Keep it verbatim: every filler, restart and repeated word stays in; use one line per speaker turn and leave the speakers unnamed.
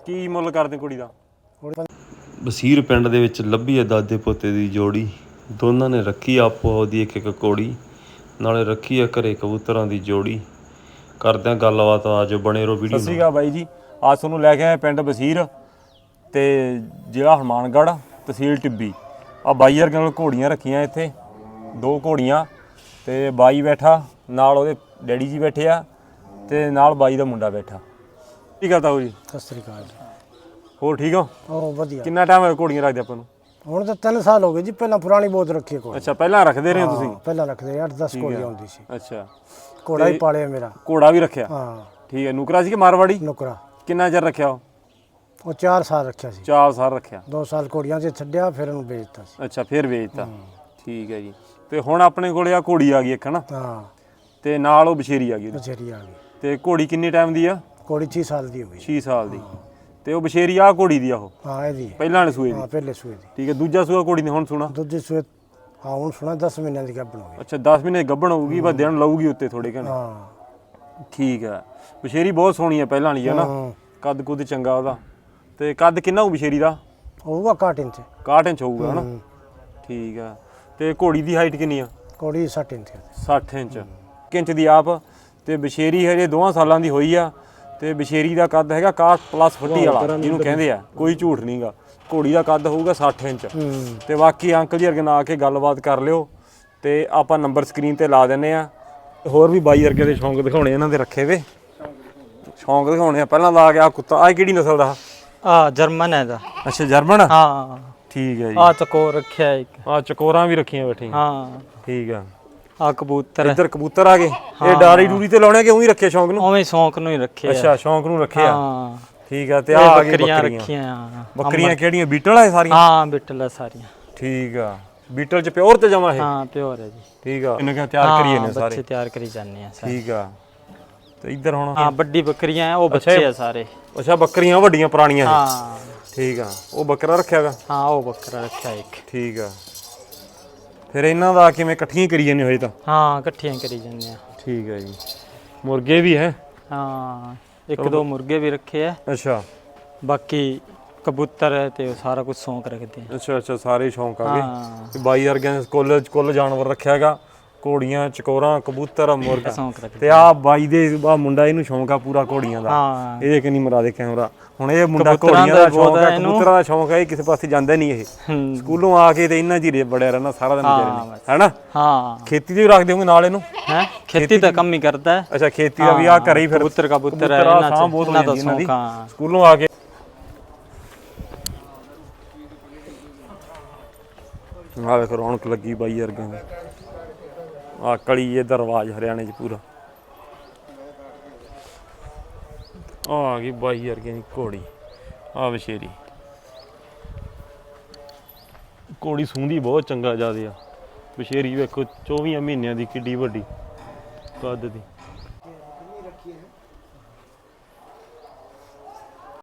ਕੀ ਮੁੱਲ ਕਰਦੇ ਕੁੜੀ ਦਾ?
ਬਸੀਰ ਪਿੰਡ ਦੇ ਵਿੱਚ ਲੱਭੀ ਹੈ ਦਾਦੇ ਪੋਤੇ ਦੀ ਜੋੜੀ। ਦੋਨਾਂ ਨੇ ਰੱਖੀ ਆਪੋ ਉਹਦੀ ਇੱਕ ਇੱਕ ਕੋੜੀ, ਨਾਲੇ ਰੱਖੀ ਹੈ ਘਰੇ ਕਬੂਤਰਾਂ ਦੀ ਜੋੜੀ। ਕਰਦੇ ਹਾਂ ਗੱਲਬਾਤ, ਆ ਜੋ ਬਣੇ ਰਹੋ ਵੀਡੀਓ।
ਸਤਿ ਸ਼੍ਰੀ ਅਕਾਲ ਬਾਈ ਜੀ, ਅੱਜ ਤੁਹਾਨੂੰ ਲੈ ਕੇ ਆਏ ਪਿੰਡ ਬਸੀਰ ਤੇ ਜ਼ਿਲ੍ਹਾ ਹਨੂੰਮਾਨਗੜ੍ਹ, ਤਹਿਸੀਲ ਟਿੱਬੀ। ਆ ਬਾਈ ਵਰਗਿਆਂ ਨਾਲ ਘੋੜੀਆਂ ਰੱਖੀਆਂ ਇੱਥੇ, ਦੋ ਘੋੜੀਆਂ ਤੇ ਬਾਈ ਬੈਠਾ ਨਾਲ, ਉਹਦੇ ਡੈਡੀ ਜੀ ਬੈਠੇ ਆ ਤੇ ਨਾਲ ਬਾਈ ਦਾ ਮੁੰਡਾ ਬੈਠਾ। ਕੀ ਕਰਦਾ ਹੋ ਜੀ?
ਸਤਿ ਸ੍ਰੀ ਅਕਾਲ।
ਹੋਰ ਠੀਕ ਹੋ?
ਹੋਰ ਵਧੀਆ।
ਕਿੰਨਾ ਟਾਈਮ ਹੋਇਆ ਘੋੜੀਆਂ ਰੱਖਦੇ ਆਪਾਂ ਨੂੰ?
ਹੁਣ ਤਾਂ ਤਿੰਨ ਸਾਲ ਹੋ ਗਏ ਜੀ। ਪਹਿਲਾਂ ਪੁਰਾਣੀ ਬਹੁਤ ਰੱਖੀ ਕੋਲ।
ਅੱਛਾ, ਪਹਿਲਾਂ ਰੱਖਦੇ ਰਹੇ ਹੋ ਤੁਸੀਂ?
ਪਹਿਲਾਂ ਰੱਖਦੇ ਅੱਠ ਦਸ ਘੋੜੀਆਂ ਹੁੰਦੀ ਸੀ।
ਅੱਛਾ,
ਘੋੜਾ ਹੀ ਪਾਲਿਆ ਮੇਰਾ।
ਘੋੜਾ ਵੀ ਰੱਖਿਆ?
ਹਾਂ
ਠੀਕ ਹੈ। ਨੁਕਰਾ ਸੀ ਕਿ ਮਾਰਵਾੜੀ?
ਨੁਕਰਾ।
ਕਿੰਨਾ ਚਿਰ ਰੱਖਿਆ ਉਹ?
ਉਹ ਚਾਰ ਸਾਲ ਰੱਖਿਆ ਸੀ।
ਚਾਰ ਸਾਲ ਰੱਖਿਆ।
ਦੋ ਸਾਲ ਘੋੜੀਆਂ 'ਚ ਛੱਡਿਆ, ਫਿਰ ਉਹਨੂੰ ਵੇਚਤਾ ਸੀ।
ਅੱਛਾ, ਫਿਰ ਵੇਚਤਾ। ਠੀਕ ਹੈ ਜੀ। ਤੇ ਹੁਣ ਆਪਣੇ ਕੋਲੇ ਆ ਘੋੜੀ ਆ ਗਈ ਇੱਕ ਨਾ?
ਹਾਂ।
ਤੇ ਨਾਲ ਉਹ ਬਸ਼ੇਰੀ ਆ ਗਈ।
ਬਸ਼ੇਰੀ ਆ ਗਈ।
ਤੇ ਘੋੜੀ ਕਿੰਨੇ ਟਾਈਮ ਦੀ ਆ?
ਘੋੜੀ ਛੇ ਸਾਲ ਦੀ ਹੋ ਗਈ।
ਛੇ ਸਾਲ ਦੀ। ਤੇ ਉਹ ਬਸ਼ੇਰੀ ਆ ਘੋੜੀ ਦੀ ਆ ਉਹ?
ਹਾਂ, ਇਹਦੀ
ਪਹਿਲਾਂ ਵਾਲੇ ਸੂਏ ਦੀ?
ਹਾਂ, ਪਹਿਲੇ ਸੂਏ ਦੀ।
ਠੀਕ ਹੈ। ਦੂਜਾ ਸੂਆ ਘੋੜੀ ਨੇ ਹੁਣ ਸੁਣਾ?
ਦੂਜੇ ਸੂਏ ਹਾਂ ਹੁਣ ਸੁਣਾ ਦਸ ਮਹੀਨਿਆਂ ਦੀ ਗੱਭਣ ਹੋ ਗਈ।
ਅੱਛਾ, ਦਸ ਮਹੀਨੇ ਗੱਭਣ ਹੋਊਗੀ, ਬਸ ਦਿਨ ਲਊਗੀ ਉੱਤੇ ਥੋੜੇ ਘਣੇ।
ਹਾਂ
ਠੀਕ ਹੈ। ਬਸ਼ੇਰੀ ਬਹੁਤ ਸੋਹਣੀ ਆ ਪਹਿਲਾਂ ਵਾਲੀ, ਹੈ ਨਾ? ਕੱਦ ਕੁੱਦ ਚੰਗਾ ਉਹਦਾ। ਤੇ ਕੱਦ ਕਿੰਨਾ ਹੋਊ ਬਸ਼ੇਰੀ ਦਾ?
ਹੋਊਗਾ ਇਕਾਹਠ ਇੰਚ।
ਇਕਾਹਠ ਇੰਚ ਹੋਊਗਾ, ਹੈ ਨਾ? ਠੀਕ ਆ। ਤੇ ਘੋੜੀ ਦੀ ਹਾਈਟ ਕਿੰਨੀ ਆ?
ਘੋੜੀ ਸੱਠ ਇੰਚ।
ਸੱਠ ਇੰਚ। ਇੱਕ ਇੰਚ ਦੀ ਆਪ। ਤੇ ਬਸ਼ੇਰੀ ਹਜੇ ਦੋਵਾਂ ਸਾਲਾਂ ਦੀ ਹੋਈ ਆ। ਤੇ ਬਸ਼ੇਰੀ ਦਾ ਕੱਦ ਹੈਗਾ ਇਕਾਹਠ ਪਲੱਸ ਫੁੱਟੀ ਵਾਲਾ, ਜਿਹਨੂੰ ਕਹਿੰਦੇ ਆ, ਕੋਈ ਝੂਠ ਨਹੀਂਗਾ। ਘੋੜੀ ਦਾ ਕੱਦ ਹੋਊਗਾ ਸੱਠ ਇੰਚ। ਤੇ ਬਾਕੀ ਅੰਕਲ ਜੀ ਅਰਗਨ ਆ ਕੇ ਗੱਲਬਾਤ ਕਰ ਲਿਓ। ਤੇ ਆਪਾਂ ਨੰਬਰ ਸਕਰੀਨ ਤੇ ਲਾ ਦਿੰਨੇ ਆ। ਹੋਰ ਵੀ ਬਾਈ ਵਰਗੇ ਦੇ ਸ਼ੌਂਕ ਦਿਖਾਉਣੇ ਇਹਨਾਂ ਦੇ ਰੱਖੇ ਵੇ, ਸ਼ੌਂਕ ਦਿਖਾਉਣੇ ਆ। ਪਹਿਲਾਂ ਲਾ ਕੇ ਆ ਕੁੱਤਾ, ਆ ਕਿਹੜੀ ਨਸਲ ਦਾ?
ਆ ਜਰਮਨ ਹੈ ਦਾ।
ਅੱਛਾ, ਜਰਮਨ।
ਹਾਂ
ਠੀਕ ਹੈ ਜੀ।
ਆ ਚਕੋਰ ਰੱਖਿਆ ਇੱਕ।
ਆ ਚਕੋਰਾਂ ਵੀ ਰੱਖੀਆਂ ਬੈਠੀਆਂ।
ਹਾਂ
ਠੀਕ ਆ।
ਆ ਕਬੂਤਰ।
ਇੱਧਰ ਕਬੂਤਰ ਆ ਗਏ। ਇਹ ਡਾਰੀ ਡੂਰੀ ਤੇ ਲਾਉਣੇ ਕਿ ਉਹੀ ਰੱਖੇ ਸ਼ੌਂਕ ਨੂੰ?
ਉਵੇਂ ਸ਼ੌਂਕ ਨੂੰ ਹੀ ਰੱਖਿਆ।
ਅੱਛਾ, ਸ਼ੌਂਕ ਨੂੰ ਰੱਖਿਆ।
ਹਾਂ
ਠੀਕ ਆ। ਤੇ ਆ ਆ ਗਈ
ਬੱਕਰੀਆਂ
ਬੱਕਰੀਆਂ
ਰੱਖੀਆਂ।
ਬੱਕਰੀਆਂ ਕਿਹੜੀਆਂ? ਬੀਟਲ ਆ ਸਾਰੀਆਂ?
ਹਾਂ ਬਿੱਟਲ ਆ ਸਾਰੀਆਂ।
ਠੀਕ ਆ। ਬੀਟਲ ਚ ਪਿਓਰ ਤੇ ਜਮਾ ਇਹ?
ਹਾਂ ਪਿਓਰ ਹੈ ਜੀ।
ਠੀਕ ਆ। ਇਹਨਾਂ ਕਿਹਾ ਤਿਆਰ ਕਰੀਏ ਨੇ ਸਾਰੇ?
ਬੱਚੇ ਤਿਆਰ ਕਰੀ ਜਾਂਦੇ ਆ ਸਾਰੇ।
ਠੀਕ ਆ। ਤੇ ਇੱਧਰ ਹੁਣ
ਹਾਂ ਵੱਡੀ ਬੱਕਰੀਆਂ ਆ, ਉਹ ਬੱਚੇ ਆ ਸਾਰੇ।
ਅੱਛਾ, ਬੱਕਰੀਆਂ ਵੱਡੀਆਂ ਪੁਰਾਣੀਆਂ?
ਹਾਂ
ਠੀਕ ਆ। ਉਹ ਬੱਕਰਾ ਰੱਖਿਆਗਾ?
ਹਾਂ ਉਹ ਬੱਕਰਾ ਰੱਖਿਆ ਇੱਕ।
ਠੀਕ ਆ। ਫਿਰ ਇਹਨਾਂ ਦਾ ਕਿਵੇਂ ਇਕੱਠੀਆਂ ਕਰੀ ਜਾਂਦੇ ਹੋਏ ਤਾਂ?
ਹਾਂ ਇਕੱਠੀਆਂ ਕਰੀ ਜਾਂਦੇ ਆ।
ਠੀਕ ਹੈ ਜੀ। ਮੁਰਗੇ ਵੀ ਹੈ?
ਹਾਂ ਇੱਕ ਦੋ ਮੁਰਗੇ ਵੀ ਰੱਖੇ ਆ।
ਅੱਛਾ।
ਬਾਕੀ ਕਬੂਤਰ ਤੇ ਸਾਰਾ ਕੁਝ ਸ਼ੌਂਕ ਰੱਖਦੇ ਆ।
ਅੱਛਾ ਅੱਛਾ, ਸਾਰੇ ਸ਼ੌਂਕ ਆ ਗਏ।
ਹਾਂ
ਬਾਈ ਵਰਗਿਆਂ ਕੁੱਲ ਕੁੱਲ ਜਾਨਵਰ ਰੱਖਿਆ ਹੈਗਾ, ਘੋੜੀਆਂ, ਚਕੋਰਾਂ, ਕਬੂਤਰ, ਮੁਰਗਾ।
ਸ਼ੌਂਕ ਰੱਖਦੇ।
ਤੇ ਆ ਬਾਈ ਦੇ ਆ ਮੁੰਡਾ, ਇਹਨੂੰ ਸ਼ੌਂਕ ਆ ਪੂਰਾ ਘੋੜੀਆਂ ਦਾ।
ਹਾਂ
ਇਹ ਕਿੰਨੀ ਮਰਾ ਦੇ ਕੈਮਰਾ। ਹੁਣ ਇਹ ਮੁੰਡਾ ਘੋੜੀਆਂ ਦਾ ਸ਼ੌਂਕ ਆ, ਕਬੂਤਰਾਂ ਦਾ ਸ਼ੌਂਕ ਹੈ। ਇਹ ਕਿਸੇ ਪਾਸੇ ਜਾਂਦਾ ਨਹੀਂ। ਇਹ ਸਕੂਲੋਂ ਆ ਕੇ ਤੇ ਇਹਨਾਂ ਜੀ ਬੜਿਆ ਰਹਿਣਾ ਸਾਰਾ ਦਿਨ ਵਿਚਾਰੇ ਨੇ, ਹੈਨਾ?
ਹਾਂ
ਖੇਤੀ ਦੇ ਵੀ ਰੱਖਦੇ ਹੋਗੇ ਨਾਲ ਇਹਨੂੰ?
ਹੈ ਖੇਤੀ ਤਾਂ ਕੰਮ ਹੀ ਕਰਦਾ ਹੈ।
ਅੱਛਾ, ਖੇਤੀ ਦਾ ਵੀ ਆ ਘਰੇ ਹੀ ਫਿਰ
ਕਬੂਤਰ ਕਬੂਤਰ ਹੈ
ਇਹਨਾਂ
ਚ,
ਬਹੁਤ
ਇਹਨਾਂ ਦਾ
ਇਹਨਾਂ ਦੀ
ਸ਼ੌਂਕ। ਹਾਂ
ਸਕੂਲੋਂ ਆ ਕੇ ਆ ਵੇਖ ਰੌਣਕ ਲੱਗੀ ਬਾਈ ਵਰਗਿਆਂ ਦੀ। ਆ ਕਲੀ ਇਹਦਾ ਰਿਵਾਜ ਹਰਿਆਣੇ 'ਚ ਪੂਰਾ। ਆ ਗਈ ਬਾਈ ਵਰਗਿਆਂ ਦੀ ਘੋੜੀ, ਆ ਬਸ਼ੇਰੀ। ਘੋੜੀ ਸੂੰਦੀ ਬਹੁਤ ਚੰਗਾ ਜ਼ਿਆਦਾ ਆ। ਬਸ਼ੇਰੀ ਵੇਖੋ ਚੌਵੀਆਂ ਮਹੀਨਿਆਂ ਦੀ, ਕਿੱਡੀ ਵੱਡੀ ਕੱਦ ਦੀ।